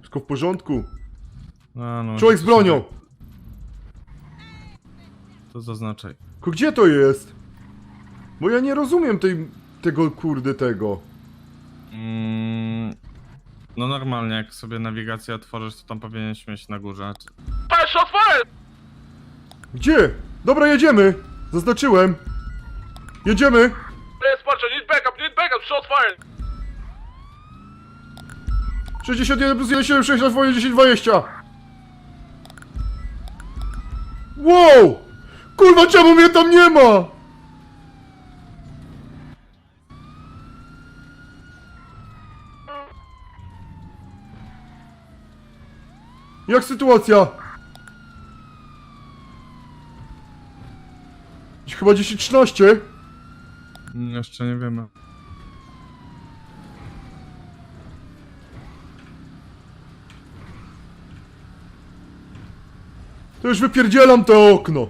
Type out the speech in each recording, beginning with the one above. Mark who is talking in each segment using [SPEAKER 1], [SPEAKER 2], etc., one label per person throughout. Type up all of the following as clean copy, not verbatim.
[SPEAKER 1] Wszystko w porządku.
[SPEAKER 2] No,
[SPEAKER 1] Człowiek z bronią!
[SPEAKER 2] To zaznaczaj.
[SPEAKER 1] Tylko gdzie to jest? Bo ja nie rozumiem tego kurde tego.
[SPEAKER 2] No normalnie, jak sobie nawigację otworzysz, to tam powinieneś mieć na górze.
[SPEAKER 3] Patrz, otworzę!
[SPEAKER 1] Gdzie? Dobra, jedziemy! Zaznaczyłem. Jedziemy!
[SPEAKER 3] Jest, patrz, need backup, shot fire!
[SPEAKER 1] 61 plus 176 na twoje 1020. Wow! Kurwa, czemu mnie tam nie ma? Jak sytuacja? Chyba 10-13.
[SPEAKER 2] Jeszcze nie wiemy.
[SPEAKER 1] To już wypierdzielam to okno.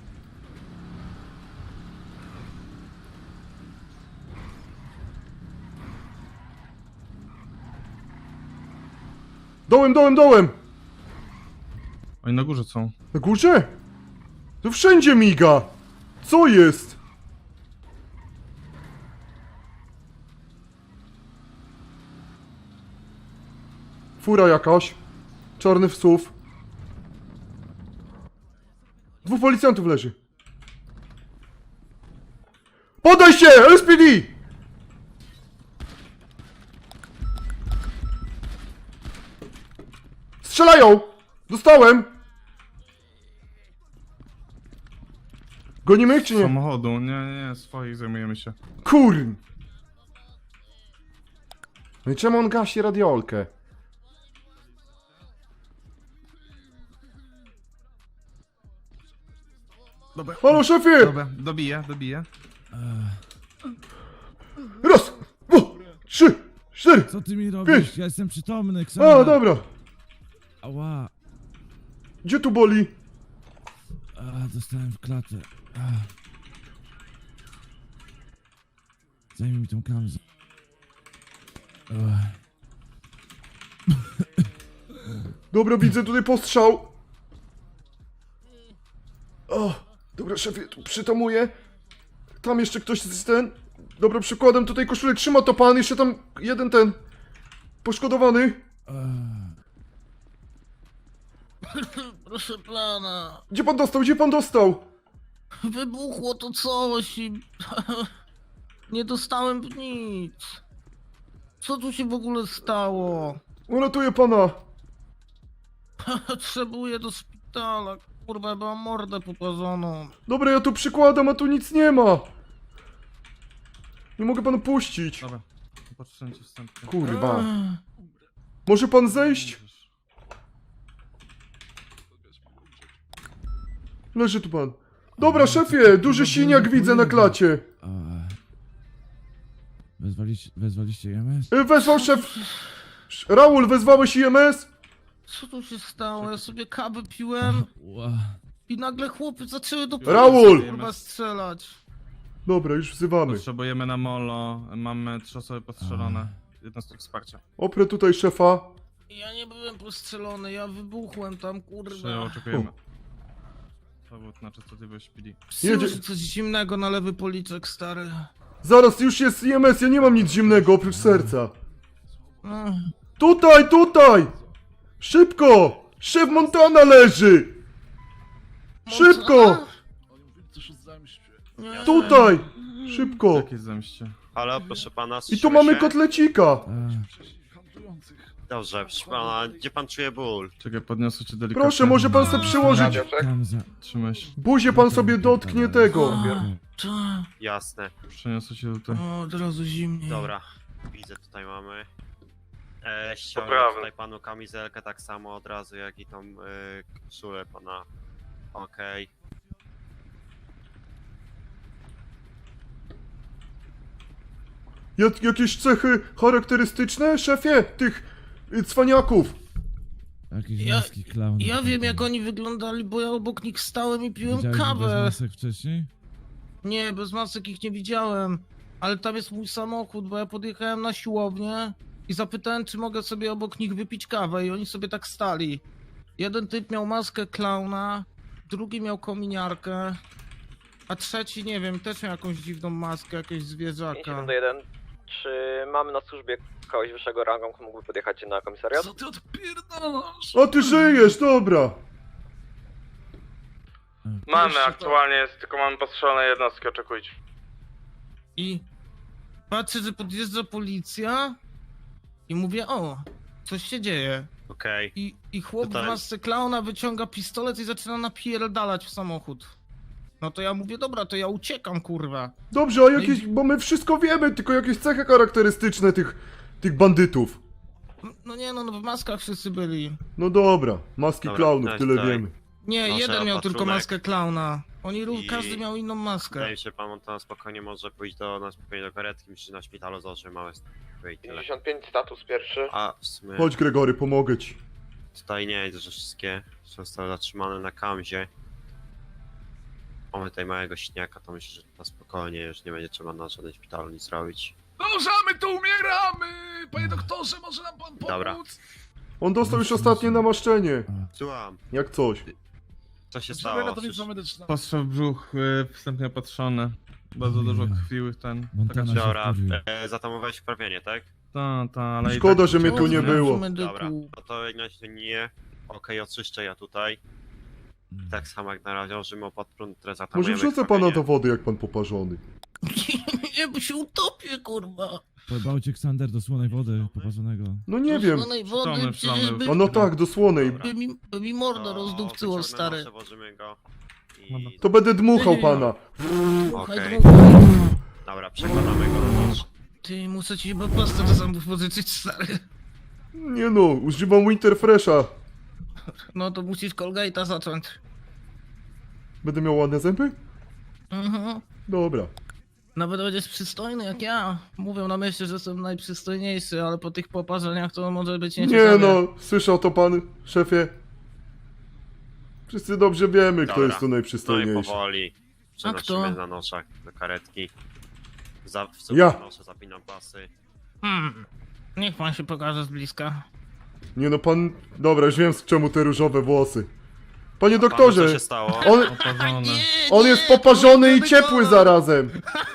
[SPEAKER 1] Dołem!
[SPEAKER 2] Oni na górze są.
[SPEAKER 1] Na górze? To wszędzie miga! Co jest? Fura jakaś. Czarny wsuw. 2 policjantów leży. Podaj się! LSPD! Strzelają! Dostałem! Gonimy ich czy nie?
[SPEAKER 2] Samochodu, nie, swoich zajmujemy się.
[SPEAKER 1] Kurn! No i czemu on gasi radiolkę?
[SPEAKER 2] Dobra.
[SPEAKER 1] Halo szefie!
[SPEAKER 2] Dobra, dobiję.
[SPEAKER 1] Raz! 2, 3, 4!
[SPEAKER 4] Co ty mi robisz?
[SPEAKER 1] Pięć.
[SPEAKER 4] Ja jestem przytomny, Ksana.
[SPEAKER 1] A, dobra.
[SPEAKER 4] Ała.
[SPEAKER 1] Gdzie tu boli?
[SPEAKER 4] A, dostałem w klatę. A. Zajmij mi tą kamzę.
[SPEAKER 1] Dobra, widzę tutaj postrzał. O, dobra, szefie, tu przytamuję. Tam jeszcze ktoś z ten. Dobra, przykładem tutaj koszulę trzyma to pan, jeszcze tam jeden ten poszkodowany.
[SPEAKER 5] Proszę pana,
[SPEAKER 1] Gdzie pan dostał? Gdzie pan dostał?
[SPEAKER 5] wybuchło to coś i nie dostałem nic. Co tu się w ogóle stało?
[SPEAKER 1] Uratuję pana.
[SPEAKER 5] Potrzebuję do szpitala. Kurwa, mam mordę popłazoną.
[SPEAKER 1] Dobra, ja tu przykładam, a tu nic nie ma. Nie mogę panu puścić.
[SPEAKER 2] Dobra, popatrzę ci wstępnie.
[SPEAKER 1] Kurwa. Może pan zejść? Leży tu pan. Dobra, szefie, duży siniak widzę na klacie.
[SPEAKER 4] Wezwaliście EMS?
[SPEAKER 1] Wezwał szef... Raul, wezwałeś IMS?
[SPEAKER 5] Co tu się stało? Ja sobie kawę piłem
[SPEAKER 4] Ła.
[SPEAKER 5] i nagle chłopy zaczęły do
[SPEAKER 1] Raul!
[SPEAKER 5] kurwa strzelać.
[SPEAKER 1] Dobra, już wzywamy.
[SPEAKER 2] Potrzebujemy na molo, mamy 3 osoby postrzelone. Jednostek wsparcia.
[SPEAKER 1] Oprę tutaj szefa.
[SPEAKER 5] Ja nie byłem postrzelony, ja wybuchłem tam,
[SPEAKER 2] Przyjął,
[SPEAKER 5] kurwa.
[SPEAKER 2] oczekujemy. Powód na częstotliwość PD.
[SPEAKER 5] Słyszę coś zimnego na lewy policzek, stary.
[SPEAKER 1] Zaraz, już jest IMS, ja nie mam nic zimnego oprócz serca.
[SPEAKER 5] Ech.
[SPEAKER 1] Tutaj! Szybko! Szef Montana leży! Szybko!
[SPEAKER 5] Nie.
[SPEAKER 1] Tutaj! Szybko!
[SPEAKER 2] Jakie zemście?
[SPEAKER 6] Halo, proszę pana,
[SPEAKER 1] I tu
[SPEAKER 6] słyszymy
[SPEAKER 1] mamy
[SPEAKER 6] się?
[SPEAKER 1] kotlecika!
[SPEAKER 6] Dobrze, proszę pana, gdzie pan czuje ból?
[SPEAKER 2] Czekaj, podniosę cię delikatnie.
[SPEAKER 1] Proszę, może pan sobie przyłożyć...
[SPEAKER 4] Kamza.
[SPEAKER 2] Trzymaj się.
[SPEAKER 1] Buzię pan sobie dotknie tego.
[SPEAKER 5] Ta.
[SPEAKER 6] Jasne,
[SPEAKER 2] Przeniosę cię tutaj.
[SPEAKER 5] O, od razu zimniej.
[SPEAKER 6] dobra. Widzę, tutaj mamy. Ściągnę
[SPEAKER 3] Poprawny.
[SPEAKER 6] tutaj panu kamizelkę tak samo od razu, jak i tą koszulę pana. Okej.
[SPEAKER 1] Jakieś cechy charakterystyczne, szefie, tych cwaniaków?
[SPEAKER 4] Jakiś
[SPEAKER 5] Ja-
[SPEAKER 4] maski klaun.
[SPEAKER 5] Ja wiem jak oni wyglądali, bo ja obok nich stałem i piłem
[SPEAKER 4] Widziałeś ich bez
[SPEAKER 5] kawę.
[SPEAKER 4] masek wcześniej?
[SPEAKER 5] Nie, bez masek ich nie widziałem. Ale tam jest mój samochód, bo ja podjechałem na siłownię i zapytałem, czy mogę sobie obok nich wypić kawę i oni sobie tak stali. Jeden typ miał maskę klauna, drugi miał kominiarkę, a trzeci, nie wiem, też miał jakąś dziwną maskę, jakiegoś zwierzaka.
[SPEAKER 7] 51. Czy mamy na służbie kogoś wyższego rangą, kto mógłby podjechać na komisariat?
[SPEAKER 5] Co ty odpierdalasz?
[SPEAKER 1] A ty żyjesz, dobra.
[SPEAKER 3] Mamy
[SPEAKER 5] Jeszcze to-
[SPEAKER 3] aktualnie, jest, tylko mamy postrzelone jednostki, oczekujcie.
[SPEAKER 5] I patrzę, że podjeżdża policja i mówię, o, coś się dzieje.
[SPEAKER 6] Okej.
[SPEAKER 5] I chłop w
[SPEAKER 6] Tutaj.
[SPEAKER 5] masce klauna wyciąga pistolet i zaczyna napierdalać w samochód. No to ja mówię, dobra, to ja uciekam, kurwa.
[SPEAKER 1] Dobrze, a jakieś, bo my wszystko wiemy, tylko jakieś cechy charakterystyczne tych bandytów.
[SPEAKER 5] No nie no, w maskach wszyscy byli.
[SPEAKER 1] No dobra, maski
[SPEAKER 6] Dobra,
[SPEAKER 1] klaunów,
[SPEAKER 6] tak,
[SPEAKER 1] tyle
[SPEAKER 6] tak.
[SPEAKER 1] wiemy.
[SPEAKER 5] Nie,
[SPEAKER 6] Proszę
[SPEAKER 5] jeden
[SPEAKER 6] o
[SPEAKER 5] miał tylko
[SPEAKER 6] patrunek.
[SPEAKER 5] maskę klauna.
[SPEAKER 6] I-
[SPEAKER 5] Każdy miał inną maskę.
[SPEAKER 6] Wydaje mi się, pan Montana spokojnie może pójść na spokojnie do karetki, myślę, że na szpitalu założy małe stopy i tyle.
[SPEAKER 7] 55, status pierwszy.
[SPEAKER 6] A w sumie
[SPEAKER 1] Chodź Gregory, pomogę ci.
[SPEAKER 6] tutaj nie jest, że wszystkie zostały zatrzymane na kamzie. Mamy tutaj małego śniaka, to myślę, że na spokojnie już nie będzie trzeba na żadnym szpitalu nic robić.
[SPEAKER 8] Dążamy, tu umieramy! Panie doktorze, może nam pan pomóc?
[SPEAKER 6] Dobra.
[SPEAKER 1] On dostał już ostatnie namaszczenie.
[SPEAKER 6] Słucham,
[SPEAKER 1] Jak coś.
[SPEAKER 6] co się
[SPEAKER 8] Potrzebuję
[SPEAKER 6] stało?
[SPEAKER 8] ratownictwa medycznego.
[SPEAKER 2] Postrzał w brzuch, wstępnie opatrzony. Bardzo dużo krwi ten.
[SPEAKER 4] Montana się
[SPEAKER 6] Dobra,
[SPEAKER 4] wkurwił.
[SPEAKER 6] zatamowałeś wprawienie, tak?
[SPEAKER 2] Ta, ale i
[SPEAKER 1] Szkoda,
[SPEAKER 2] tak...
[SPEAKER 1] że mnie tu nie
[SPEAKER 5] Dobrze,
[SPEAKER 1] było.
[SPEAKER 5] medyku.
[SPEAKER 6] Dobra, no to jak na razie nie. Okej, oczyszczę ja tutaj. Tak samo jak na razie, że o podprąd, które
[SPEAKER 1] Może
[SPEAKER 6] zatamujemy
[SPEAKER 1] wrzucę pana
[SPEAKER 6] krwawienie.
[SPEAKER 1] do wody, jak pan poparzony.
[SPEAKER 5] Nie, bo się utopię, kurwa.
[SPEAKER 4] Pojebał cię Ksander do słonej wody poparzonego.
[SPEAKER 1] No nie wiem.
[SPEAKER 5] Słonej wody,
[SPEAKER 2] Przytomny,
[SPEAKER 5] przecież
[SPEAKER 2] przytomny.
[SPEAKER 5] by,
[SPEAKER 1] A no tak, do słonej.
[SPEAKER 6] Dobra.
[SPEAKER 5] by mi mordo
[SPEAKER 6] To
[SPEAKER 5] rozdupcyło,
[SPEAKER 6] wyciągnę
[SPEAKER 5] stary.
[SPEAKER 6] noszę, włożymy go.
[SPEAKER 2] Dobra.
[SPEAKER 6] I...
[SPEAKER 1] To będę dmuchał pana.
[SPEAKER 5] Słuchaj,
[SPEAKER 6] Okej.
[SPEAKER 5] dmuchaj.
[SPEAKER 6] Dobra, przekładamy go do nosz.
[SPEAKER 5] Ty, muszę ci chyba pastę do zębów pożyczyć, stary.
[SPEAKER 1] Nie no, używam Winterfresha.
[SPEAKER 5] No to musisz Colgate'a zacząć.
[SPEAKER 1] Będę miał ładne zęby?
[SPEAKER 5] Mhm.
[SPEAKER 1] Dobra.
[SPEAKER 5] Nawet będziesz przystojny jak ja. Mówią na mieście, że jestem najprzystojniejszy, ale po tych poparzeniach to może być
[SPEAKER 1] Nie
[SPEAKER 5] nieciekawie.
[SPEAKER 1] no, słyszał to pan, szefie? Wszyscy dobrze wiemy, kto
[SPEAKER 6] Dobra.
[SPEAKER 1] jest tu
[SPEAKER 6] No i
[SPEAKER 1] najprzystojniejszy.
[SPEAKER 6] powoli
[SPEAKER 5] kto?
[SPEAKER 6] przenosimy na noszach do karetki. W
[SPEAKER 1] Ja.
[SPEAKER 6] noszę, zapinam pasy.
[SPEAKER 5] Niech pan się pokaże z bliska.
[SPEAKER 1] Nie no, pan... Dobra, już wiem, czemu te różowe włosy. Panie
[SPEAKER 6] Panu, co
[SPEAKER 1] doktorze,
[SPEAKER 6] się stało?
[SPEAKER 1] on,
[SPEAKER 2] Oparzony.
[SPEAKER 1] on jest poparzony i ciepły zarazem.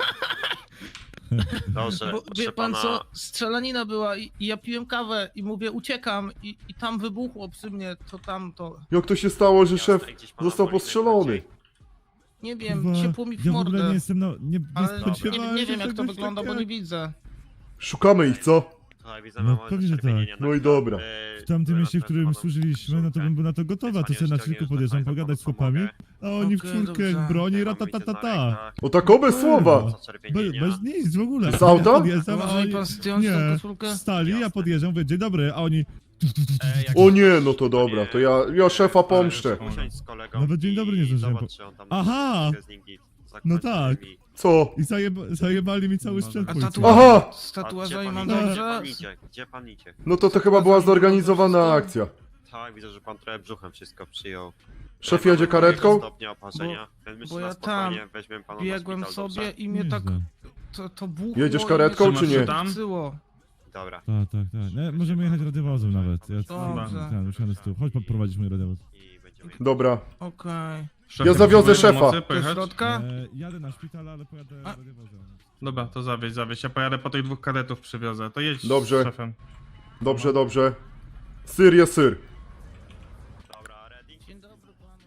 [SPEAKER 6] Dobrze,
[SPEAKER 5] Bo,
[SPEAKER 6] proszę
[SPEAKER 5] wie pan
[SPEAKER 6] pana,
[SPEAKER 5] co, strzelanina była i ja piłem kawę i mówię uciekam i tam wybuchło przy mnie, to tam to...
[SPEAKER 1] Jak to się stało, że
[SPEAKER 6] jasne,
[SPEAKER 1] szef
[SPEAKER 6] gdzieś pana
[SPEAKER 1] został
[SPEAKER 6] boli
[SPEAKER 1] postrzelony?
[SPEAKER 6] najbardziej.
[SPEAKER 5] Nie wiem,
[SPEAKER 4] Kurwa,
[SPEAKER 5] ciepło mi w
[SPEAKER 4] ja w ogóle
[SPEAKER 5] mordę.
[SPEAKER 4] nie jestem nie
[SPEAKER 5] Ale
[SPEAKER 4] spodziewałem
[SPEAKER 5] nie wiem
[SPEAKER 4] się
[SPEAKER 5] jak to
[SPEAKER 4] czegoś
[SPEAKER 5] wygląda, bo nie
[SPEAKER 4] takiego.
[SPEAKER 5] widzę.
[SPEAKER 1] Szukamy ich, co?
[SPEAKER 6] Słuchaj, widzę,
[SPEAKER 4] No,
[SPEAKER 6] mamy
[SPEAKER 4] pewnie, że
[SPEAKER 6] zaczerwienienie
[SPEAKER 4] tak.
[SPEAKER 6] na
[SPEAKER 1] No i
[SPEAKER 6] chwilę.
[SPEAKER 1] dobra.
[SPEAKER 4] W tamtym mieście, w którym
[SPEAKER 6] panem
[SPEAKER 4] służyliśmy, no to bym był na to gotowy, a to sobie na chwilkę podjeżdżam, pogadać z chłopami, a oni w
[SPEAKER 5] Okej,
[SPEAKER 4] czwórkę
[SPEAKER 5] dobrze.
[SPEAKER 4] broni, ratatatata.
[SPEAKER 1] O tak bez słowa.
[SPEAKER 4] Bez nic w ogóle.
[SPEAKER 1] Z auta?
[SPEAKER 4] Podjeżdżam, a
[SPEAKER 5] Może mi
[SPEAKER 4] oni...
[SPEAKER 5] pan zdjąć tą
[SPEAKER 4] Nie,
[SPEAKER 5] koszulkę?
[SPEAKER 4] stali, ja
[SPEAKER 6] Jasne.
[SPEAKER 4] podjeżdżam, mówię, dzień dobry, a oni...
[SPEAKER 1] O nie, no to dobra, to ja szefa pomszczę.
[SPEAKER 6] Usiądź z kolegą
[SPEAKER 4] Nawet dzień dobry nie
[SPEAKER 6] i
[SPEAKER 4] zdążyłem
[SPEAKER 6] zobacz, czy on tam
[SPEAKER 4] Aha!
[SPEAKER 6] jest z nim git.
[SPEAKER 4] No
[SPEAKER 6] Zakończy
[SPEAKER 4] tak.
[SPEAKER 6] drzwi.
[SPEAKER 1] Co?
[SPEAKER 4] I zajebali mi cały
[SPEAKER 2] No
[SPEAKER 4] sprzęt
[SPEAKER 5] A
[SPEAKER 4] policyjny.
[SPEAKER 1] Aha!
[SPEAKER 5] Z
[SPEAKER 6] A
[SPEAKER 5] tatuażami
[SPEAKER 6] gdzie
[SPEAKER 5] mam
[SPEAKER 6] pan idzie?
[SPEAKER 5] dobrze?
[SPEAKER 6] Gdzie pan idzie? Gdzie pan idzie?
[SPEAKER 1] No to chyba była zorganizowana akcja.
[SPEAKER 6] Tak, widzę, że pan trochę brzuchem wszystko przyjął.
[SPEAKER 1] Szef jedzie karetką?
[SPEAKER 6] Stopnia oparzenia, więc myślę,
[SPEAKER 5] bo
[SPEAKER 6] że
[SPEAKER 5] ja
[SPEAKER 6] na spokojnie
[SPEAKER 5] tam
[SPEAKER 6] weźmiemy pana na
[SPEAKER 5] Biegłem
[SPEAKER 6] szpital,
[SPEAKER 5] sobie
[SPEAKER 6] dobrze?
[SPEAKER 5] i mnie tak
[SPEAKER 4] Nieźle.
[SPEAKER 5] to buchło.
[SPEAKER 1] Jedziesz
[SPEAKER 5] i
[SPEAKER 1] karetką,
[SPEAKER 5] mnie
[SPEAKER 2] czy nie?
[SPEAKER 5] zatrzymało.
[SPEAKER 6] Dobra.
[SPEAKER 4] Tak. Nie, możemy jechać radiowozem nawet. Ja
[SPEAKER 5] Dobrze.
[SPEAKER 4] usiądę z tyłu. Chodź poprowadzić mój radiowóz.
[SPEAKER 6] I będziemy...
[SPEAKER 1] Dobra.
[SPEAKER 5] Okej.
[SPEAKER 2] Szef,
[SPEAKER 1] Ja zawiozę
[SPEAKER 2] potrzebuje
[SPEAKER 1] szefa.
[SPEAKER 2] pomocy,
[SPEAKER 5] Do
[SPEAKER 2] pojechać?
[SPEAKER 5] środka?
[SPEAKER 4] Jadę na szpital, ale pojadę
[SPEAKER 5] A.
[SPEAKER 4] radiowozem.
[SPEAKER 2] Dobra, to zawieź. Ja pojadę po tych dwóch kadetów przywiozę. To jedź
[SPEAKER 1] Dobrze.
[SPEAKER 2] z szefem.
[SPEAKER 1] Dobrze, dobrze. Syr jest syr.
[SPEAKER 6] Dobra, ready?
[SPEAKER 5] Dzień dobry panu.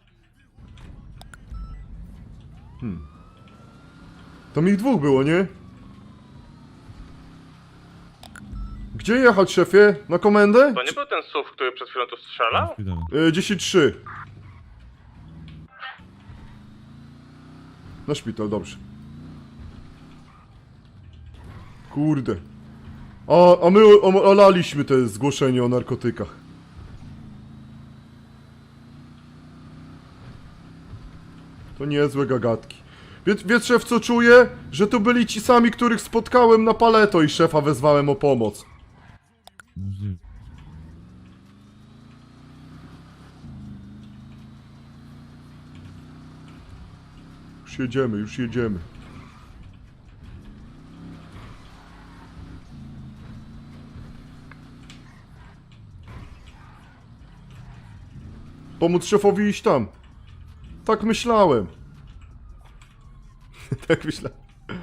[SPEAKER 1] Tam ich dwóch było, nie? Gdzie jechać, szefie? Na komendę?
[SPEAKER 3] To nie był ten SUV, który przed chwilą tu
[SPEAKER 4] Na
[SPEAKER 3] strzelał?
[SPEAKER 4] szpital.
[SPEAKER 1] 10-3. Na szpital, dobrze. Kurde. A my olaliśmy te zgłoszenie o narkotykach. To niezłe gagatki. Wie szef co czuję? Że to byli ci sami, których spotkałem na Paleto i szefa wezwałem o pomoc.
[SPEAKER 4] Możliwe.
[SPEAKER 1] Już jedziemy. Pomóc szefowi iść tam. Tak myślałem. Tak myślałem.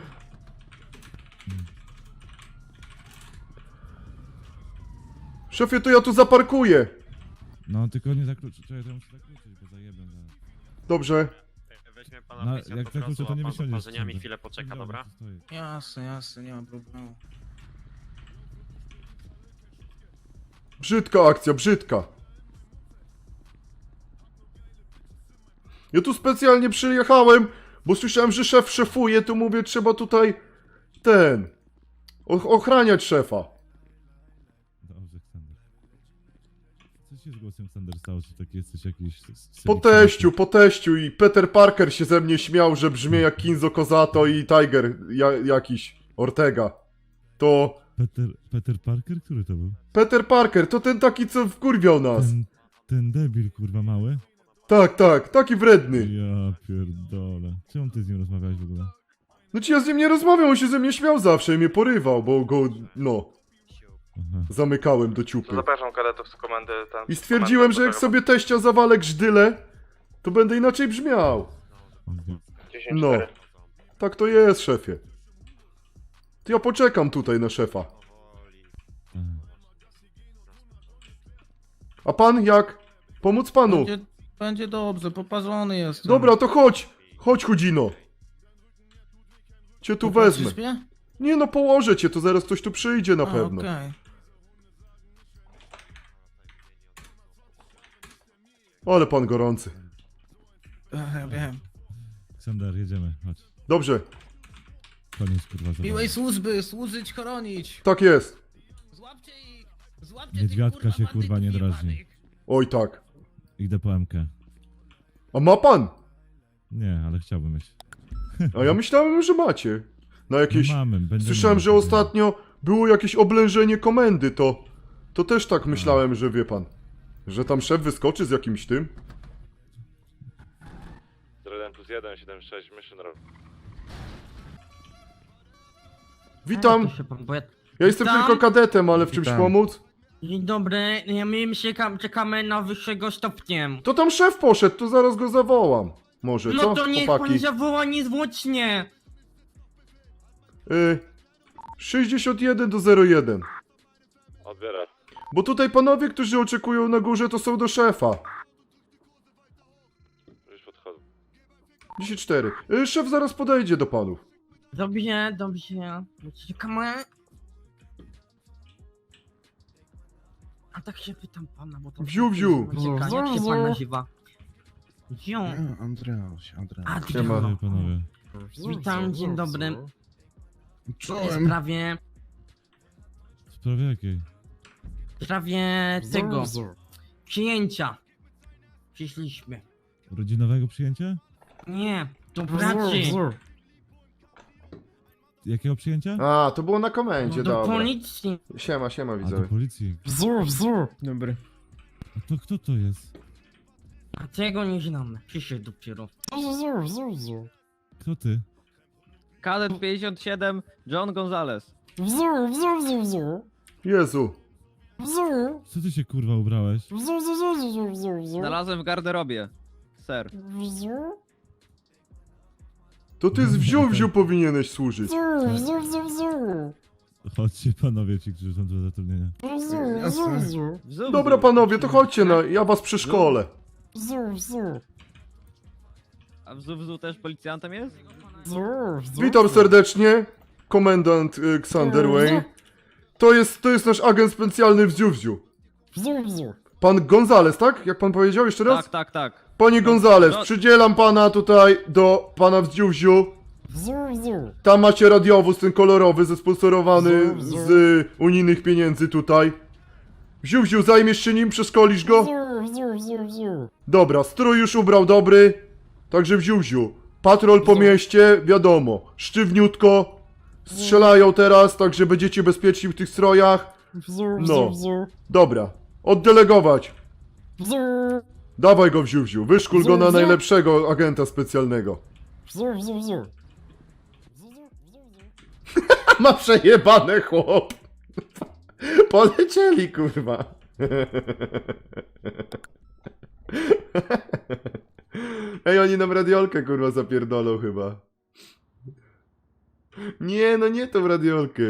[SPEAKER 1] Szefie, to ja tu zaparkuję.
[SPEAKER 4] No, tylko nie zakluczyć. Czekaj, to ja muszę zakluczyć, bo zajebę zaraz.
[SPEAKER 1] Dobrze.
[SPEAKER 6] Weźmie pana
[SPEAKER 4] No,
[SPEAKER 6] policjant
[SPEAKER 4] jak
[SPEAKER 6] od razu,
[SPEAKER 4] zakluczę, to
[SPEAKER 6] a
[SPEAKER 4] nie
[SPEAKER 6] pan z
[SPEAKER 4] wysiądziesz.
[SPEAKER 6] oparzeniami
[SPEAKER 4] stąd.
[SPEAKER 6] chwilę poczeka, dobra?
[SPEAKER 4] Stoję.
[SPEAKER 5] Jasne, jasne, nie ma problemu.
[SPEAKER 1] Brzydka akcja, brzydka. Ja tu specjalnie przyjechałem, bo słyszałem, że szef szefuje, to mówię, trzeba tutaj ochraniać szefa.
[SPEAKER 4] Dobrze, Ksander. Co się z głosem Ksander stało? Czy taki jesteś jakiś...
[SPEAKER 1] Po teściu i Peter Parker się ze mnie śmiał, że brzmię jak Kinzo Kozato i Tiger jakiś Ortega. To
[SPEAKER 4] Peter Parker? Który to był?
[SPEAKER 1] Peter Parker, to ten taki, co wkurwiał nas.
[SPEAKER 4] Ten debil, kurwa, mały?
[SPEAKER 1] Tak, taki wredny.
[SPEAKER 4] Ja pierdolę. Czemu ty z nim rozmawiałeś w ogóle?
[SPEAKER 1] No ci ja z nim nie rozmawiam, on się ze mnie śmiał zawsze i mnie porywał, bo go,
[SPEAKER 4] Aha.
[SPEAKER 1] zamykałem do ciupy.
[SPEAKER 3] Zapraszam kadetów z komendy.
[SPEAKER 1] I stwierdziłem, że jak sobie teścia zawalę grzdyle, to będę inaczej brzmiał.
[SPEAKER 4] Okej.
[SPEAKER 3] 10-4.
[SPEAKER 1] No. Tak to jest, szefie. To ja poczekam tutaj na szefa.
[SPEAKER 4] Aha.
[SPEAKER 1] A pan jak? Pomóc panu?
[SPEAKER 5] Będzie dobrze, poparzony jestem.
[SPEAKER 1] Dobra, to chodź. Chodź, chudzino. Cię tu
[SPEAKER 5] Popatrzysz
[SPEAKER 1] wezmę.
[SPEAKER 5] mnie?
[SPEAKER 1] Nie no, położę cię, to zaraz ktoś tu przyjdzie na
[SPEAKER 5] A,
[SPEAKER 1] pewno.
[SPEAKER 5] okej.
[SPEAKER 1] Ale pan gorący.
[SPEAKER 5] Ja wiem.
[SPEAKER 4] Ksander, jedziemy, chodź.
[SPEAKER 1] Dobrze,
[SPEAKER 4] Koniec, kurwa, zabawy.
[SPEAKER 5] Miłej służby, służyć, chronić.
[SPEAKER 1] tak jest.
[SPEAKER 5] Złapcie ich! Złapcie
[SPEAKER 4] Niedźwiadka
[SPEAKER 5] tych,
[SPEAKER 4] się, kurwa, nie
[SPEAKER 5] bandytów
[SPEAKER 4] drażni.
[SPEAKER 5] jebanych.
[SPEAKER 1] Oj tak.
[SPEAKER 4] Idę po MK.
[SPEAKER 1] A ma pan?
[SPEAKER 4] Nie, ale chciałbym mieć.
[SPEAKER 1] A ja myślałem, że macie. Na jakieś...
[SPEAKER 4] No mamy, będziemy
[SPEAKER 1] Słyszałem,
[SPEAKER 4] mieli,
[SPEAKER 1] że ostatnio było jakieś oblężenie komendy, to też tak myślałem, że wie pan. Że tam szef wyskoczy z jakimś tym.
[SPEAKER 3] 1+1, 76, mission roll.
[SPEAKER 1] Witam,
[SPEAKER 9] Proszę pan, bo ja...
[SPEAKER 1] ja jestem
[SPEAKER 9] Witam.
[SPEAKER 1] tylko kadetem, ale w czymś
[SPEAKER 2] Witam.
[SPEAKER 1] pomóc?
[SPEAKER 9] Dzień dobry, my czekamy na wyższego stopniem.
[SPEAKER 1] To tam szef poszedł, to zaraz go zawołam. Może, co,
[SPEAKER 9] No to niech pan
[SPEAKER 1] chłopaki?
[SPEAKER 9] zawoła niezwłocznie.
[SPEAKER 1] 61 do 01.
[SPEAKER 3] Odbiera.
[SPEAKER 1] Bo tutaj panowie, którzy oczekują na górze, to są do szefa.
[SPEAKER 3] Już podchodzę.
[SPEAKER 1] 10-4. Szef zaraz podejdzie do panów.
[SPEAKER 9] Dobrze. Czekamy. A tak się pytam pana, bo to...
[SPEAKER 1] Wziu.
[SPEAKER 9] Czeka, jak się pan nazywa? Wziu.
[SPEAKER 10] Andreas.
[SPEAKER 1] Siema.
[SPEAKER 4] Panowie, panowie.
[SPEAKER 9] Witam, dzień dobry. W
[SPEAKER 10] Czołem.
[SPEAKER 9] sprawie...
[SPEAKER 4] W sprawie jakiej?
[SPEAKER 9] W sprawie tego... Przyjęcia. Przyszliśmy.
[SPEAKER 4] Rodzinowego przyjęcia?
[SPEAKER 9] Nie, do pracy.
[SPEAKER 4] Jakiego przyjęcia?
[SPEAKER 1] A, to było na komendzie,
[SPEAKER 9] Do
[SPEAKER 1] dobra.
[SPEAKER 9] policji.
[SPEAKER 1] Siema,
[SPEAKER 4] A do
[SPEAKER 1] widzowie.
[SPEAKER 4] policji.
[SPEAKER 10] Dobry.
[SPEAKER 4] A to kto to jest?
[SPEAKER 9] A tego nie znamy. Przyszedł dopiero.
[SPEAKER 4] Kto ty?
[SPEAKER 11] Kadet 57, John Gonzalez.
[SPEAKER 1] Jezu.
[SPEAKER 4] Co ty się kurwa ubrałeś?
[SPEAKER 11] Znalazłem w garderobie. Ser.
[SPEAKER 1] To ty z wziu powinieneś służyć.
[SPEAKER 4] Chodźcie panowie ci, którzy są do zatrudnienia.
[SPEAKER 1] Dobra panowie, to chodźcie, no, ja was przeszkolę.
[SPEAKER 11] A w Zuwzu też policjantem jest?
[SPEAKER 1] Witam serdecznie, komendant Xander Wayne. To jest nasz agent specjalny w Ziu. Pan Gonzales, tak? Jak pan powiedział jeszcze raz?
[SPEAKER 11] Tak.
[SPEAKER 1] Panie Gonzales,
[SPEAKER 11] No.
[SPEAKER 1] przydzielam pana tutaj do pana w Ziu. Tam macie radiowóz, ten kolorowy, zesponsorowany z unijnych pieniędzy tutaj. Ziu, zajmiesz się nim, przeszkolisz go? Dobra, strój już ubrał dobry. Także w Ziu. Patrol po mieście, wiadomo, sztywniutko. Strzelają teraz, także będziecie bezpieczni w tych strojach. No, dobra, oddelegować. Dawaj go w Ziu, wyszkól go na najlepszego agenta specjalnego. Ma przejebane, chłop. Polecieli, kurwa. Ej, oni nam radiolkę kurwa zapierdolą chyba. Nie, no nie tą radiolkę.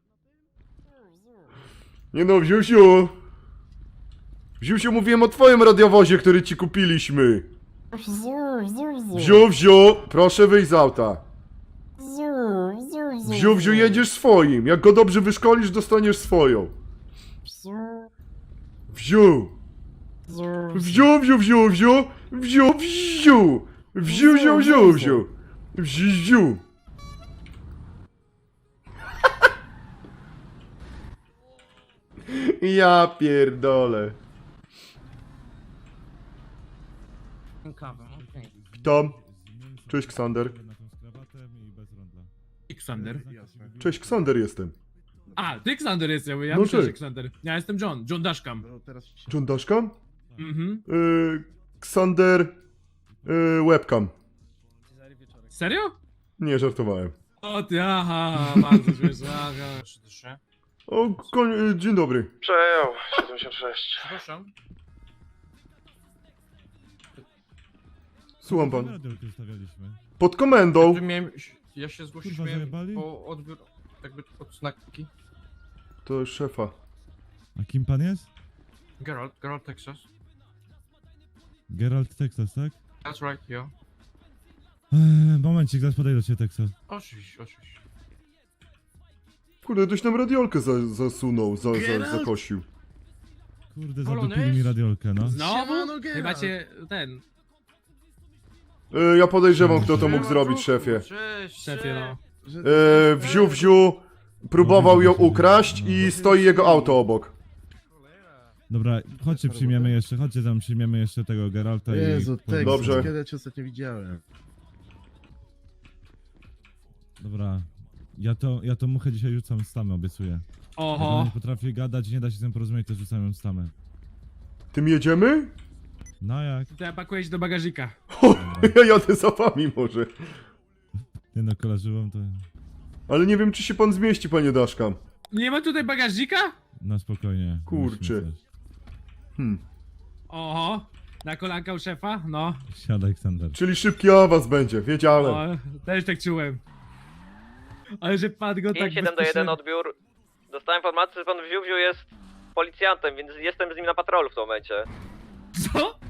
[SPEAKER 1] Nie no, Wziusiu! Wziusiu, mówiłem o twoim radiowozie, który ci kupiliśmy. Wziu, proszę wyjść z auta. Wziu, jedziesz swoim. Jak go dobrze wyszkolisz, dostaniesz swoją. Wziu. Wziu. Wziu. Ja pierdolę.
[SPEAKER 9] Kawę, okej.
[SPEAKER 1] Witam. Cześć, Ksander.
[SPEAKER 10] Ksander.
[SPEAKER 1] Cześć, Ksander jestem.
[SPEAKER 10] A, ty Ksander jesteś, ja
[SPEAKER 1] No
[SPEAKER 10] myślę,
[SPEAKER 1] ty.
[SPEAKER 10] że Ksander. Ja jestem John Dashkam.
[SPEAKER 1] John Dashkam?
[SPEAKER 10] Mhm.
[SPEAKER 1] Ksander... webcam.
[SPEAKER 10] Serio?
[SPEAKER 1] Nie, żartowałem.
[SPEAKER 10] O ty, aha, bardzo śmieszne, aha.
[SPEAKER 1] O, dzień dobry.
[SPEAKER 3] Przejął, 76.
[SPEAKER 10] Przepraszam.
[SPEAKER 1] Słucham pan.
[SPEAKER 4] Radiolkę ustawialiśmy.
[SPEAKER 1] Pod komendą.
[SPEAKER 8] Ja się
[SPEAKER 4] Kurwa, zajebali?
[SPEAKER 8] po odbiór jakby odznaki.
[SPEAKER 1] To szefa.
[SPEAKER 4] A kim pan jest?
[SPEAKER 8] Geralt, Texas.
[SPEAKER 4] Geralt Texas, tak?
[SPEAKER 8] That's right, yo.
[SPEAKER 4] Momencik, zaraz podejdę do ciebie, Texas.
[SPEAKER 8] Oczywiście.
[SPEAKER 1] Kurde, ktoś nam radiolkę zasunął, zakosił.
[SPEAKER 4] Kurde,
[SPEAKER 8] Polonez?
[SPEAKER 4] zadupili mi radiolkę, no.
[SPEAKER 10] Znowu? Chyba cię, ten,
[SPEAKER 1] Ja podejrzewam, kto to mógł zrobić, szefie.
[SPEAKER 8] Cześć,
[SPEAKER 10] szefie, no.
[SPEAKER 1] Wziu, próbował ją ukraść i stoi jego auto obok.
[SPEAKER 4] Dobra, chodźcie przyjmiemy jeszcze, chodźcie tam przyjmiemy jeszcze tego Geralta
[SPEAKER 10] Jezu,
[SPEAKER 4] i...
[SPEAKER 10] Texas,
[SPEAKER 1] Dobrze.
[SPEAKER 10] kiedy ja cię ostatnio widziałem?
[SPEAKER 4] Dobra. Ja to muchę dzisiaj rzucam z tamy, obiecuję. Jak ona
[SPEAKER 10] Oho.
[SPEAKER 4] nie potrafi gadać, nie da się z nią porozumieć, to rzucam ją z tamy.
[SPEAKER 1] Tym jedziemy?
[SPEAKER 4] No jak?
[SPEAKER 10] To ja pakuję się do bagażika.
[SPEAKER 1] Ja jadę za wami może.
[SPEAKER 4] Nie no, kolarzyłam to...
[SPEAKER 1] Ale nie wiem, czy się pan zmieści, panie Daszkam.
[SPEAKER 10] Nie ma tutaj bagażnika?
[SPEAKER 4] No spokojnie.
[SPEAKER 1] Kurczę.
[SPEAKER 4] musimy coś.
[SPEAKER 10] Oho. Na kolanka u szefa? No.
[SPEAKER 4] Siadaj, Ksander.
[SPEAKER 1] Czyli szybki awans będzie, wiedziałem.
[SPEAKER 10] O, też tak czułem. Ale że pan go tak
[SPEAKER 7] 5-1 odbiór. Dostałem informację, że pan Wziu jest policjantem, więc jestem z nim na patrolu w tym momencie.
[SPEAKER 10] Co?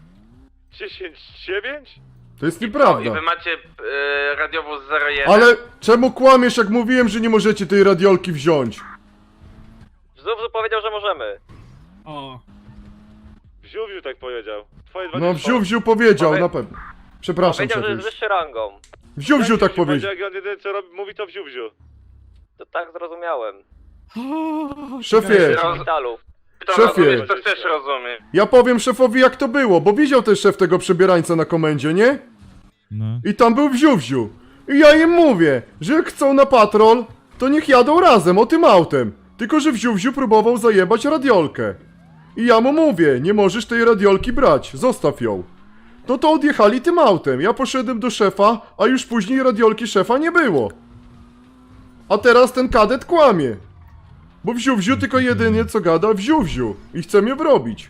[SPEAKER 3] 10-9?
[SPEAKER 1] To jest nieprawda.
[SPEAKER 3] macie radiowóz 01?
[SPEAKER 1] Ale czemu kłamiesz, jak mówiłem, że nie możecie tej radiolki wziąć?
[SPEAKER 7] Wziu powiedział, że możemy.
[SPEAKER 10] O.
[SPEAKER 3] Wziu tak powiedział. Twoje
[SPEAKER 1] No, Wziu powiedział, na pewno. Przepraszam,
[SPEAKER 7] Powiedział, że
[SPEAKER 1] szefie.
[SPEAKER 7] jest wyższy rangą.
[SPEAKER 1] Wziu tak powiedział.
[SPEAKER 3] Jak on jedyne co robi, mówi to Wziu.
[SPEAKER 7] To tak zrozumiałem.
[SPEAKER 1] Szefie,
[SPEAKER 7] W szpitalu.
[SPEAKER 1] szefie,
[SPEAKER 3] To też rozumiem.
[SPEAKER 1] ja powiem szefowi, jak to było, bo widział też szef tego przebierańca na komendzie, nie?
[SPEAKER 4] No.
[SPEAKER 1] I tam był Wziu. I ja im mówię, że jak chcą na patrol, to niech jadą razem, o tym autem. Tylko, że Wziu próbował zajebać radiolkę. I ja mu mówię, nie możesz tej radiolki brać, zostaw ją. No to odjechali tym autem, ja poszedłem do szefa, a już później radiolki szefa nie było. A teraz ten kadet kłamie. Bo Wziu tylko jedynie co gada Wziu i chce mnie wrobić.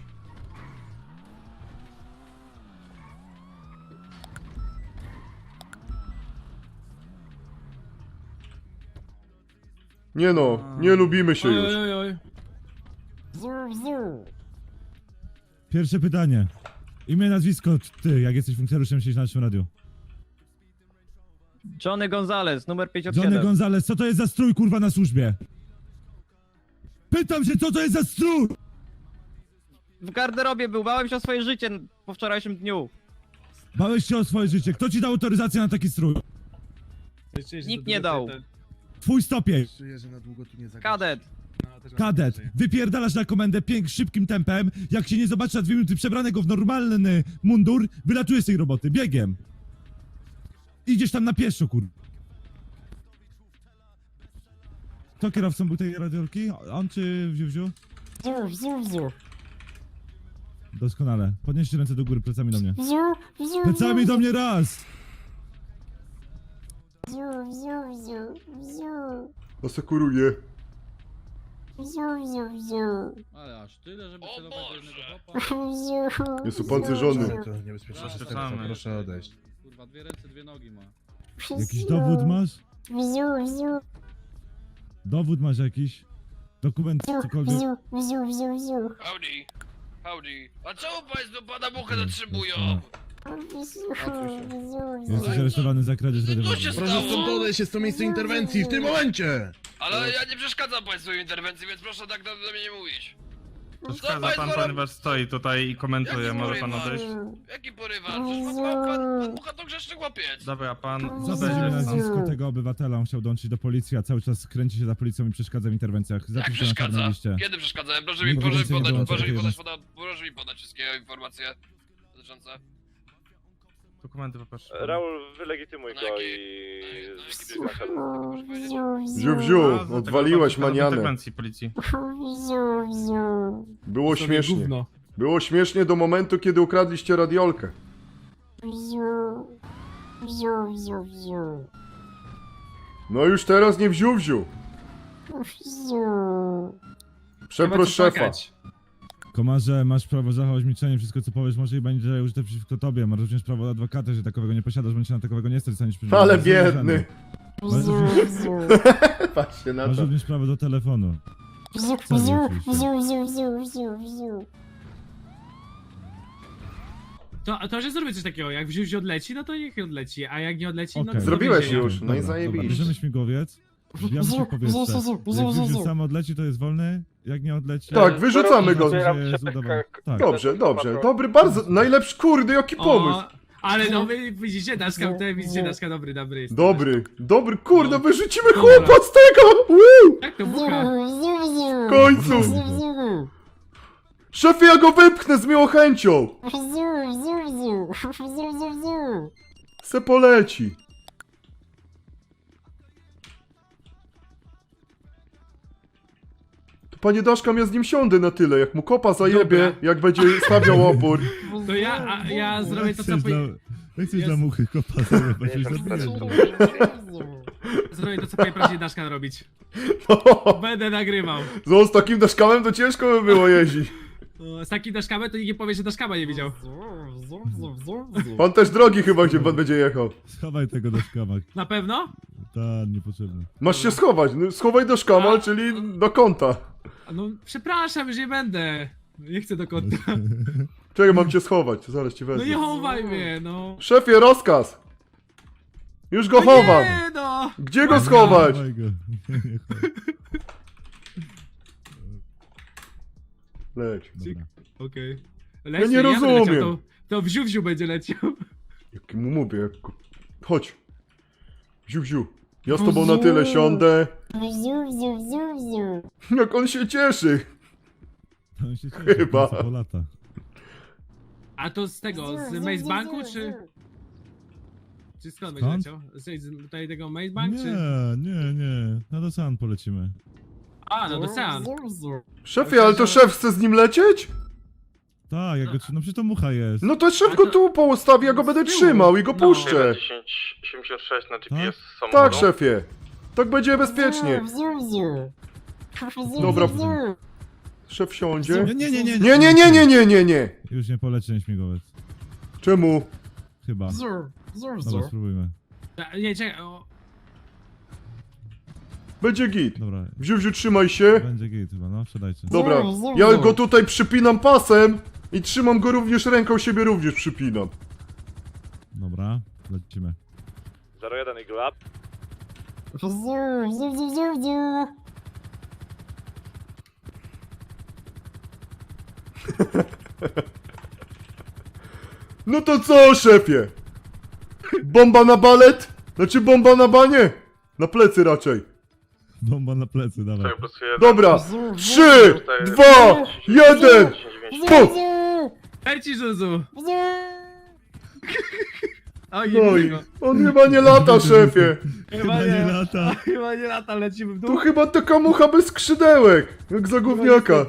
[SPEAKER 1] Nie no, nie lubimy się już.
[SPEAKER 10] Oj.
[SPEAKER 4] Pierwsze pytanie. Imię, nazwisko, ty, jak jesteś funkcjonariuszem, siedzisz na naszym radiu.
[SPEAKER 11] Johnny Gonzalez, numer 57.
[SPEAKER 4] Johnny Gonzalez, co to jest za strój, kurwa, na służbie? Pytam się, co to jest za strój?
[SPEAKER 11] W garderobie był, bałem się o swoje życie po wczorajszym dniu.
[SPEAKER 4] Bałeś się o swoje życie. Kto ci dał autoryzację na taki strój?
[SPEAKER 11] Nikt nie dał.
[SPEAKER 4] Twój stopień.
[SPEAKER 10] Czuję, że na długo tu nie zagrasz.
[SPEAKER 11] Kadet.
[SPEAKER 10] No, też mam
[SPEAKER 4] Kadet,
[SPEAKER 10] nadzieję.
[SPEAKER 4] wypierdalasz na komendę szybkim tempem. Jak się nie zobaczy na 2 minuty przebranego w normalny mundur, wylatujesz z tej roboty, biegiem. Idziesz tam na pieszo, kur... Kto kierowcą był tej radiolki? On czy Wziu?
[SPEAKER 9] Wziu.
[SPEAKER 4] Doskonale. Podnieście ręce do góry, plecami do mnie. Plecami do mnie raz!
[SPEAKER 1] Asekuruję.
[SPEAKER 10] Ale aż tyle, żeby
[SPEAKER 8] O
[SPEAKER 10] celować do
[SPEAKER 8] Boże.
[SPEAKER 10] jednego chłopa?
[SPEAKER 1] Jest upancerzony.
[SPEAKER 10] Proszę odejść. Kurwa, 2 ręce, 2 nogi ma.
[SPEAKER 4] Jakiś dowód masz? Dowód masz jakiś? Dokument, cokolwiek?
[SPEAKER 8] Howdy. Howdy. A czemu państwo pana muchę zatrzymują?
[SPEAKER 4] Jesteś aresztowany za kradzież
[SPEAKER 8] Co
[SPEAKER 4] radiowej.
[SPEAKER 8] się stało?
[SPEAKER 10] odejść, jest to miejsce interwencji w tym momencie!
[SPEAKER 8] Ale ja nie przeszkadzam państwu w interwencji, więc proszę tak do mnie nie mówić.
[SPEAKER 2] Przeszkadza pan, ponieważ stoi tutaj i komentuje.
[SPEAKER 8] Jaki
[SPEAKER 2] Może pan
[SPEAKER 8] porywacz?
[SPEAKER 2] odejść?
[SPEAKER 8] Jaki porywacz? Przecież pan mucha to grzeszny chłopiec.
[SPEAKER 2] Dobra, pan
[SPEAKER 4] Zabezpiecz
[SPEAKER 2] odejdzie stąd.
[SPEAKER 4] nazwisko tego obywatela, on chciał dołączyć do policji, a cały czas kręci się za policją i przeszkadza w interwencjach.
[SPEAKER 8] Jak
[SPEAKER 4] Zapisz to na
[SPEAKER 8] przeszkadza?
[SPEAKER 4] czarnej liście.
[SPEAKER 8] Kiedy przeszkadzałem? Proszę
[SPEAKER 4] Nie
[SPEAKER 8] mi
[SPEAKER 4] więcej nie
[SPEAKER 8] podać,
[SPEAKER 4] dołączę takiej
[SPEAKER 8] proszę mi podać wszystkie informacje dotyczące.
[SPEAKER 2] Dokumenty poproszę.
[SPEAKER 3] Raul, wylegitymuj
[SPEAKER 8] Na
[SPEAKER 3] go
[SPEAKER 8] jaki-
[SPEAKER 3] i...
[SPEAKER 1] Wziu,
[SPEAKER 2] A, za
[SPEAKER 1] odwaliłeś
[SPEAKER 2] tego
[SPEAKER 1] manianę.
[SPEAKER 2] interwencji policji.
[SPEAKER 1] Było śmiesznie. Było śmiesznie do momentu, kiedy ukradliście radiolkę. No już teraz nie wziu. Przeproś szefa.
[SPEAKER 4] Komarze, masz prawo zachować milczenie, wszystko co powiesz może i będzie użyte przeciwko tobie. Masz również prawo do adwokata, że takowego nie posiadasz, bądź się na takowego nie stać, staniesz przeciwko.
[SPEAKER 1] Ale biedny. Patrzcie na
[SPEAKER 4] Masz
[SPEAKER 1] to.
[SPEAKER 4] również prawo do telefonu.
[SPEAKER 10] To, że zrobię coś takiego, jak wziąć odleci, no to niech odleci, a jak nie odleci, no
[SPEAKER 4] Okej.
[SPEAKER 10] to
[SPEAKER 1] Zrobiłeś
[SPEAKER 10] więzienia.
[SPEAKER 1] już, no i
[SPEAKER 4] Dobra,
[SPEAKER 1] zajebiście.
[SPEAKER 4] bierzemy śmigłowiec. Wbijamy się w powietrze. Jak Wziu sam odleci, to jest wolny. Jak nie odleci...
[SPEAKER 1] Tak, wyrzucamy go.
[SPEAKER 4] to jest udowodnione. Tak.
[SPEAKER 1] Dobrze. Dobry, bardzo. Najlepszy, kurde, jaki pomysł.
[SPEAKER 10] O, ale no wy widzicie, Daszka, widzicie, Daszka dobry jest.
[SPEAKER 1] Dobry, kurde, wyrzucimy chłopa z tego! Woo!
[SPEAKER 10] Jak to bucha?
[SPEAKER 1] W końcu! Szefie, ja go wypchnę z miłą chęcią! Se poleci. To panie Daszka, ja z nim siądę na tyle, jak mu kopa zajebie,
[SPEAKER 10] Dobra.
[SPEAKER 1] jak będzie stawiał opór.
[SPEAKER 10] To ja zrobię to, co
[SPEAKER 4] Jak chcesz
[SPEAKER 10] Jest.
[SPEAKER 4] dla muchy kopa zajebać, już zabijesz go.
[SPEAKER 10] zrobię to, co powinien Daszka robić. Będę nagrywał.
[SPEAKER 1] Z takim Daszkamem to ciężko by było jeździć.
[SPEAKER 10] O, z takim Daszkamem to nikt nie powie, że Daszkama nie widział.
[SPEAKER 1] Pan też drogi chyba, gdzie pan będzie jechał.
[SPEAKER 4] Schowaj tego do szkamak.
[SPEAKER 10] Na pewno?
[SPEAKER 4] Tak, niepotrzebne.
[SPEAKER 1] Masz się schować, no, schowaj do szkama, czyli do kąta.
[SPEAKER 10] No przepraszam, już nie będę. Nie chcę do kąta.
[SPEAKER 1] Czekaj, mam cię schować, zaraz ci
[SPEAKER 10] No
[SPEAKER 1] wezmę.
[SPEAKER 10] nie chowaj mnie, no.
[SPEAKER 1] Szefie, rozkaz! Już go
[SPEAKER 10] No
[SPEAKER 1] chowam!
[SPEAKER 10] nie, no.
[SPEAKER 1] Gdzie go schować?
[SPEAKER 4] Schowaj go. Nie, chowaj.
[SPEAKER 1] Leć.
[SPEAKER 4] Dobra.
[SPEAKER 10] Okej.
[SPEAKER 1] Ja nie
[SPEAKER 10] będę
[SPEAKER 1] rozumiem.
[SPEAKER 10] leciał, to wziu będzie leciał.
[SPEAKER 1] Jak mu mówię, jak go... Chodź. Wziu. Ja z tobą na tyle siądę. Jak on się cieszy.
[SPEAKER 4] On się cieszy,
[SPEAKER 1] Chyba.
[SPEAKER 4] po lata.
[SPEAKER 10] A to z tego, z Maze Banku, czy... Czy skąd będzie
[SPEAKER 4] Skąd?
[SPEAKER 10] leciał? Z tutaj tego Maze Bank,
[SPEAKER 4] Nie,
[SPEAKER 10] czy...
[SPEAKER 4] nie. Na Dosan polecimy.
[SPEAKER 10] A, no do Sean.
[SPEAKER 1] Szefie, ale to szef chce z nim lecieć?
[SPEAKER 4] Tak, jak go no przecież to mucha jest.
[SPEAKER 1] No to szef
[SPEAKER 10] A
[SPEAKER 1] go
[SPEAKER 10] to-
[SPEAKER 1] tu postawi, ja go będę
[SPEAKER 10] z tyłu.
[SPEAKER 1] trzymał i go
[SPEAKER 10] No.
[SPEAKER 1] puszczę.
[SPEAKER 3] 1076 na
[SPEAKER 4] Tak?
[SPEAKER 3] GPS
[SPEAKER 1] Tak,
[SPEAKER 3] samochodu.
[SPEAKER 1] szefie. Tak będzie bezpiecznie. Dobra. Szef siądzie. Nie.
[SPEAKER 4] Już nie poleci ten śmigłowiec.
[SPEAKER 1] Czemu?
[SPEAKER 4] Chyba. Dobra, spróbujmy.
[SPEAKER 10] Nie, czekaj, o...
[SPEAKER 1] Będzie git.
[SPEAKER 4] Dobra,
[SPEAKER 1] Wziu, trzymaj się.
[SPEAKER 4] będzie git chyba, no, wsiadajcie.
[SPEAKER 1] Dobra, ja go tutaj przypinam pasem i trzymam go również ręką, siebie również przypinam.
[SPEAKER 4] Dobra, lecimy.
[SPEAKER 3] 01 Eagle Up.
[SPEAKER 1] No to co, szefie? Bomba na balet? Znaczy bomba na banie? Na plecy raczej.
[SPEAKER 4] Bomba na plecy, dawaj.
[SPEAKER 1] Dobra, 3, 2, 1, puf!
[SPEAKER 10] Leci, Zuzu! Oj,
[SPEAKER 1] No i
[SPEAKER 10] tego.
[SPEAKER 1] on chyba nie lata, szefie.
[SPEAKER 4] Chyba nie lata.
[SPEAKER 10] Chyba nie lata, lecimy w
[SPEAKER 1] To
[SPEAKER 10] dół.
[SPEAKER 1] chyba taka mucha bez skrzydełek, jak za gówniaka.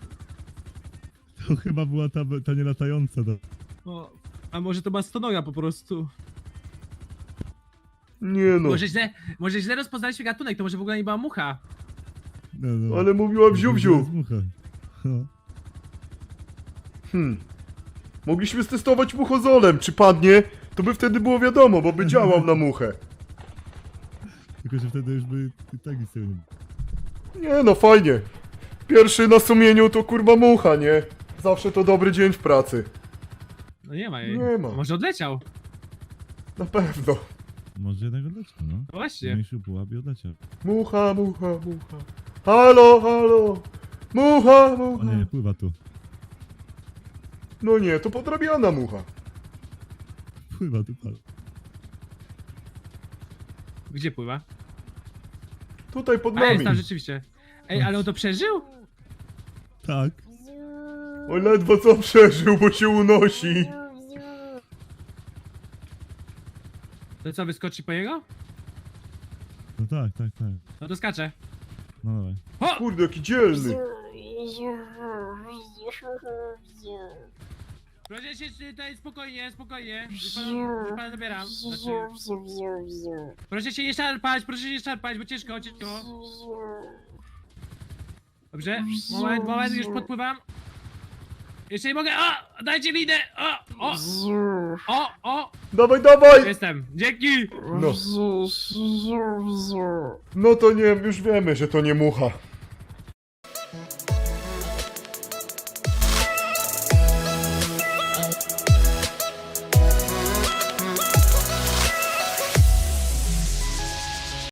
[SPEAKER 4] To chyba była ta nielatająca.
[SPEAKER 10] O, a może to bastonoga po prostu?
[SPEAKER 1] Nie no.
[SPEAKER 10] Może źle rozpoznaliśmy gatunek, to może w ogóle nie była mucha.
[SPEAKER 4] No.
[SPEAKER 1] Ale mówiła
[SPEAKER 4] To
[SPEAKER 1] wziu-wziu.
[SPEAKER 4] jest mucha. No.
[SPEAKER 1] Mogliśmy stestować muchozolem, czy padnie, to by wtedy było wiadomo, bo by działał na muchę.
[SPEAKER 4] Tylko, że wtedy już by i tak nic z tego nie było.
[SPEAKER 1] Nie no, fajnie. Pierwszy na sumieniu to kurwa mucha, nie? Zawsze to dobry dzień w pracy.
[SPEAKER 10] No nie ma jej.
[SPEAKER 1] Nie ma.
[SPEAKER 10] Może odleciał?
[SPEAKER 1] Na pewno.
[SPEAKER 4] Może jednak odleciał, no.
[SPEAKER 10] Właśnie.
[SPEAKER 4] Mniejszy pułap i odleciał.
[SPEAKER 1] Mucha, mucha, mucha. Halo, halo. Mucha,
[SPEAKER 4] O
[SPEAKER 1] mucha.
[SPEAKER 4] nie, pływa tu.
[SPEAKER 1] No nie, to podrabiana mucha.
[SPEAKER 4] Pływa tu, pal.
[SPEAKER 10] Gdzie pływa?
[SPEAKER 1] Tutaj pod
[SPEAKER 10] A jest
[SPEAKER 1] nami.
[SPEAKER 10] tam rzeczywiście. Ej, ale on to przeżył?
[SPEAKER 4] Tak.
[SPEAKER 1] Oj, ledwo co przeżył, bo się unosi.
[SPEAKER 10] To co, wyskoczy po niego?
[SPEAKER 4] No tak.
[SPEAKER 10] No to skacze.
[SPEAKER 4] No dawaj.
[SPEAKER 10] O!
[SPEAKER 1] Kurde, jaki dzielny.
[SPEAKER 10] Proszę się tutaj spokojnie. Już pana zabieram. Proszę się nie szarpać, bo ciężko. Dobrze, moment, już podpływam. Jeszcze nie mogę, o! Dajcie linę! O!
[SPEAKER 1] Dawaj.
[SPEAKER 10] Jestem, dzięki!
[SPEAKER 1] No. No to nie, już wiemy, że to nie mucha.